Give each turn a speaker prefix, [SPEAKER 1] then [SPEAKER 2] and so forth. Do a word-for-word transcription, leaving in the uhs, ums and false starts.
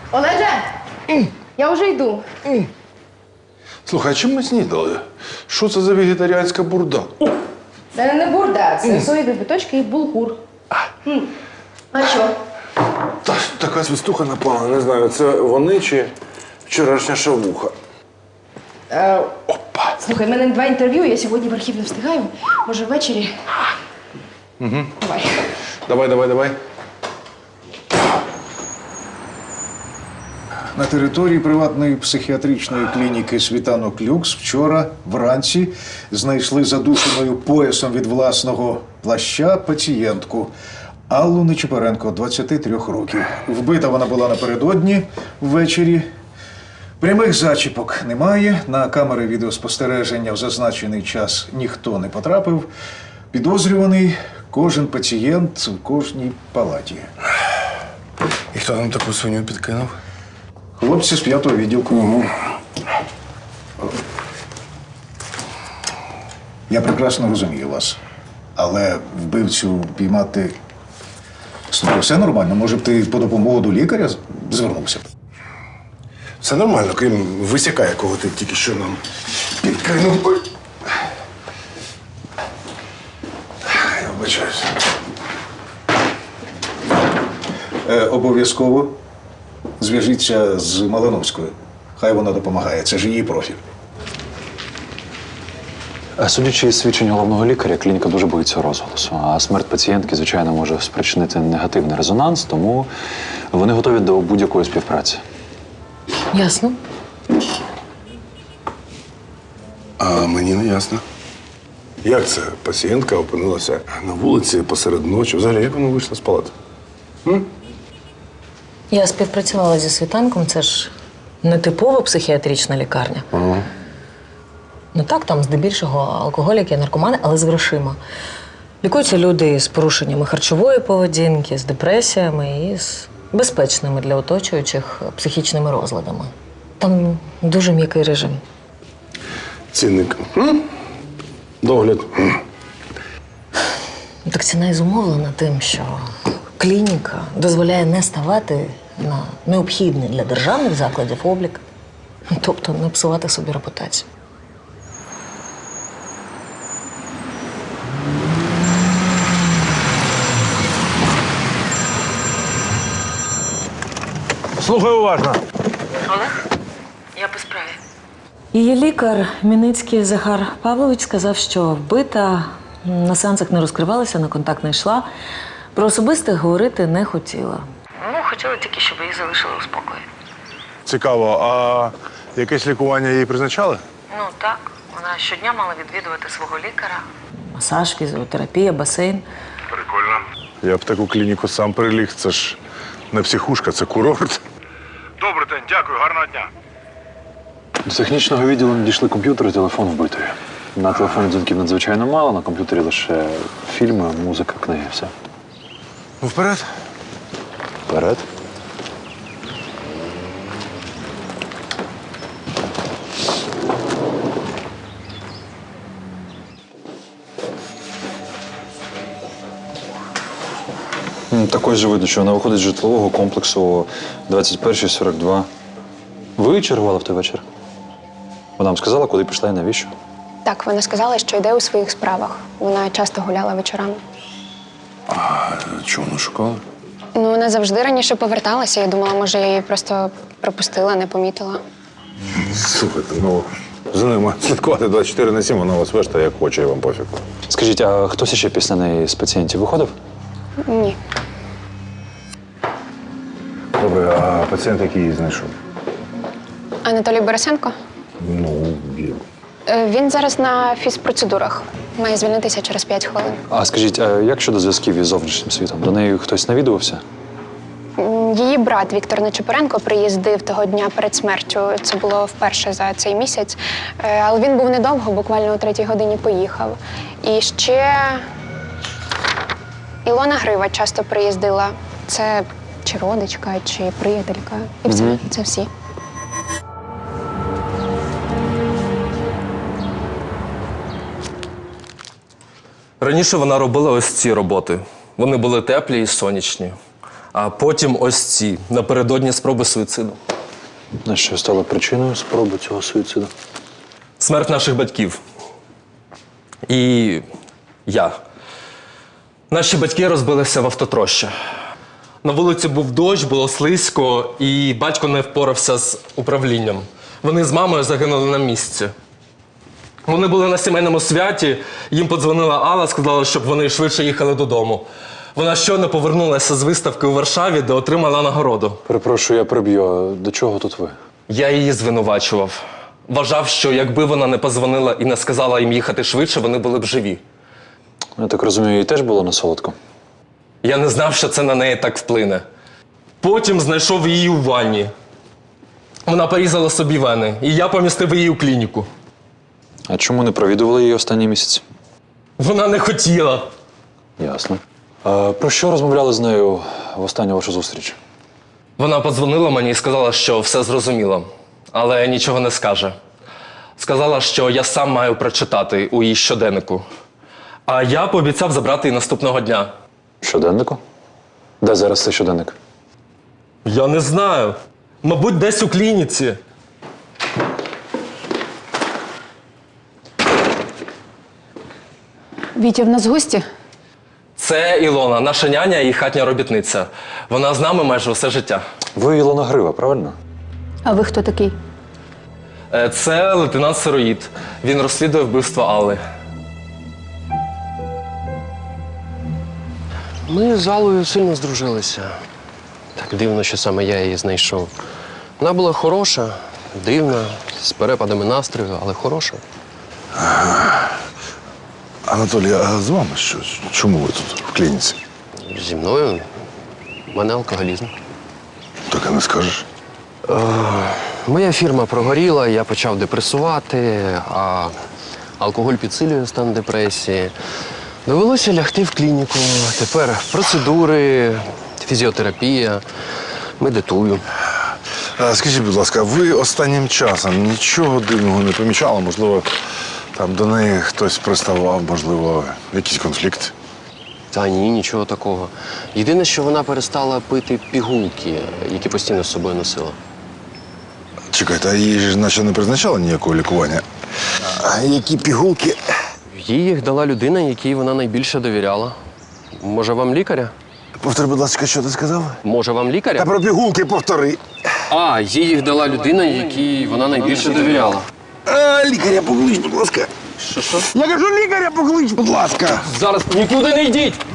[SPEAKER 1] Олеже, я вже йду.
[SPEAKER 2] Слухай, а чим ми снідали? Що це за вегетаріанська бурда?
[SPEAKER 1] Це не бурда, це соєві биточки і булгур. М. А що?
[SPEAKER 2] Та така свистуха напала, не знаю, це вони чи вчорашня шавуха.
[SPEAKER 1] Е,
[SPEAKER 2] Опа!
[SPEAKER 1] слухай, в мене два інтерв'ю, я сьогодні в архів не встигаю. Може, ввечері? Угу. Давай.
[SPEAKER 2] Давай, давай, давай.
[SPEAKER 3] На території приватної психіатричної клініки «Світанок Люкс» вчора вранці знайшли задушеною поясом від власного плаща пацієнтку Аллу Нечипоренко, двадцяти трьох років. Вбита вона була напередодні ввечері. Прямих зачіпок немає. На камери відеоспостереження в зазначений час ніхто не потрапив. Підозрюваний кожен пацієнт в кожній палаті.
[SPEAKER 2] І хто нам таку свиню підкинув?
[SPEAKER 3] Хлопці з п'ятого відділку. Я прекрасно розумію вас, але вбивцю піймати... Слухай, все нормально. Може б ти по допомогу до лікаря звернувся?
[SPEAKER 2] Все нормально, крім висяка, якого ти тільки що нам підкинув. Ой. Я вибачаюся.
[SPEAKER 3] Е, обов'язково зв'яжіться з Малиновською. Хай вона допомагає. Це ж її профіль.
[SPEAKER 4] Судячи із свідчень головного лікаря, клініка дуже боїться розголосу. А смерть пацієнтки, звичайно, може спричинити негативний резонанс, тому вони готові до будь-якої співпраці.
[SPEAKER 5] Ясно.
[SPEAKER 2] А мені не ясно. Як це пацієнтка опинилася на вулиці посеред ночі? Взагалі, як вона вийшла з палати? М?
[SPEAKER 5] Я співпрацювала зі світанком, це ж не типова психіатрична лікарня.
[SPEAKER 2] Ага.
[SPEAKER 5] Ну так, там здебільшого алкоголіки, наркомани, але з грошима. Лікуються люди з порушеннями харчової поведінки, з депресіями і з безпечними для оточуючих психічними розладами. Там дуже м'який режим.
[SPEAKER 2] Цінник. М? Догляд. М.
[SPEAKER 5] Так ціна і зумовлена тим, що клініка дозволяє не ставати на необхідний для державних закладів облік, тобто не псувати собі репутацію.
[SPEAKER 2] Слухай уважно.
[SPEAKER 5] Олег, я по справі. Її лікар, Міницький Захар Павлович, сказав, що вбита, на сеансах не розкривалася, на контакт не йшла. Про особисте говорити не хотіла. Ну, хотіла тільки, щоб її залишили у спокої.
[SPEAKER 2] Цікаво, а якесь лікування їй призначали?
[SPEAKER 5] Ну, так. Вона щодня мала відвідувати свого лікаря. Масаж, фізіотерапія, басейн.
[SPEAKER 2] Прикольно. Я б в таку клініку сам приліг. Це ж не психушка, це курорт. Добрий день, дякую, гарного дня.
[SPEAKER 4] До технічного відділу надійшли комп'ютер і телефон вбитої. На телефоні дзвінків надзвичайно мало, на комп'ютері лише фільми, музика, книги, все.
[SPEAKER 2] Ну, вперед.
[SPEAKER 4] Вперед. Також же видно, що вона виходить з житлового комплексу двадцять перший сорок два. Ви чергували в той вечір? Вона вам сказала, куди пішла і навіщо?
[SPEAKER 6] Так, вона сказала, що йде у своїх справах. Вона часто гуляла вечорами.
[SPEAKER 2] А чого вона шукала?
[SPEAKER 6] Ну, вона завжди раніше поверталася. Я думала, може, я її просто пропустила, не помітила.
[SPEAKER 2] Слухайте, ну, за ними слідкувати двадцять чотири на сім, вона вас вештає, як хоче, і вам пофіг.
[SPEAKER 4] Скажіть, а хтось ще після неї з пацієнтів виходив?
[SPEAKER 6] Ні.
[SPEAKER 2] Добре, а пацієнт який її знайшов?
[SPEAKER 6] Анатолій Борисенко?
[SPEAKER 2] Ну, є.
[SPEAKER 6] Е, Він зараз на фізпроцедурах. Має звільнитися через п'ять хвилин.
[SPEAKER 4] А скажіть, а як щодо зв'язків із зовнішнім світом? До неї хтось навідувався?
[SPEAKER 6] М, Її брат Віктор Нечипоренко приїздив того дня перед смертю. Це було вперше за цей місяць. Е, Але він був недовго, буквально о третій годині поїхав. І ще Ілона Грива часто приїздила. Це чи родичка, чи приятелька. І все.
[SPEAKER 4] Мгм.
[SPEAKER 6] Це всі.
[SPEAKER 7] Раніше вона робила ось ці роботи. Вони були теплі і сонячні. А потім ось ці, напередодні спроби суїциду.
[SPEAKER 4] На що стало причиною спроби цього суїциду?
[SPEAKER 7] Смерть наших батьків. І я. Наші батьки розбилися в автотрощі. На вулиці був дощ, було слизько, і батько не впорався з управлінням. Вони з мамою загинули на місці. Вони були на сімейному святі, їм подзвонила Алла, сказала, щоб вони швидше їхали додому. Вона щойно повернулася з виставки у Варшаві, де отримала нагороду.
[SPEAKER 4] Перепрошую, я приб'ю. До чого тут ви?
[SPEAKER 7] Я її звинувачував. Вважав, що якби вона не позвонила і не сказала їм їхати швидше, вони були б живі.
[SPEAKER 4] Я так розумію, їй теж було на солодко?
[SPEAKER 7] Я не знав, що це на неї так вплине. Потім знайшов її у ванні. Вона порізала собі вени, і я помістив її у клініку.
[SPEAKER 4] А чому не провідували її останні місяці?
[SPEAKER 7] Вона не хотіла.
[SPEAKER 4] Ясно. А про що розмовляли з нею в останню вашу зустріч?
[SPEAKER 7] Вона подзвонила мені і сказала, що все зрозуміло, але нічого не скаже. Сказала, що я сам маю прочитати у її щоденнику. А я пообіцяв забрати її наступного дня.
[SPEAKER 4] Щоденнику? Де зараз цей щоденник?
[SPEAKER 7] Я не знаю. Мабуть, десь у клініці.
[SPEAKER 8] Вітя, в нас гості?
[SPEAKER 7] Це Ілона, наша няня і хатня робітниця. Вона з нами майже усе життя.
[SPEAKER 4] Ви Ілона Грива, правильно?
[SPEAKER 8] А ви хто такий?
[SPEAKER 7] Е, Це лейтенант Сироїд. Він розслідує вбивство Алли.
[SPEAKER 9] Ми з Аллою сильно здружилися. Так дивно, що саме я її знайшов. Вона була хороша, дивна, з перепадами настрою, але хороша.
[SPEAKER 2] Анатолій, а з вами що? Чому ви тут в клініці?
[SPEAKER 9] Зі мною в мене алкоголізм.
[SPEAKER 2] Так і не скажеш.
[SPEAKER 9] Моя фірма прогоріла, я почав депресувати, а алкоголь підсилює стан депресії. Довелося лягти в клініку. Тепер процедури, фізіотерапія, медитую.
[SPEAKER 2] А, скажіть, будь ласка, ви останнім часом нічого дивного не помічали? Можливо, там до неї хтось приставав, можливо, якийсь конфлікт?
[SPEAKER 9] Та ні, нічого такого. Єдине, що вона перестала пити пігулки, які постійно з собою носила.
[SPEAKER 2] Чекайте, а їй ж наче не призначали ніякого лікування? А які пігулки?
[SPEAKER 9] Їй їх дала людина, якій вона найбільше довіряла. Може, вам лікаря?
[SPEAKER 2] Повтори, будь ласка, що ти сказав?
[SPEAKER 9] Може, вам лікаря?
[SPEAKER 2] Та про пігулки повтори.
[SPEAKER 9] А, їй їх дала людина, якій вона найбільше довіряла.
[SPEAKER 2] А, лікаря поклич, будь ласка.
[SPEAKER 9] Що, що?
[SPEAKER 2] Я кажу, лікаря поклич, будь ласка.
[SPEAKER 9] Зараз нікуди не йдіть!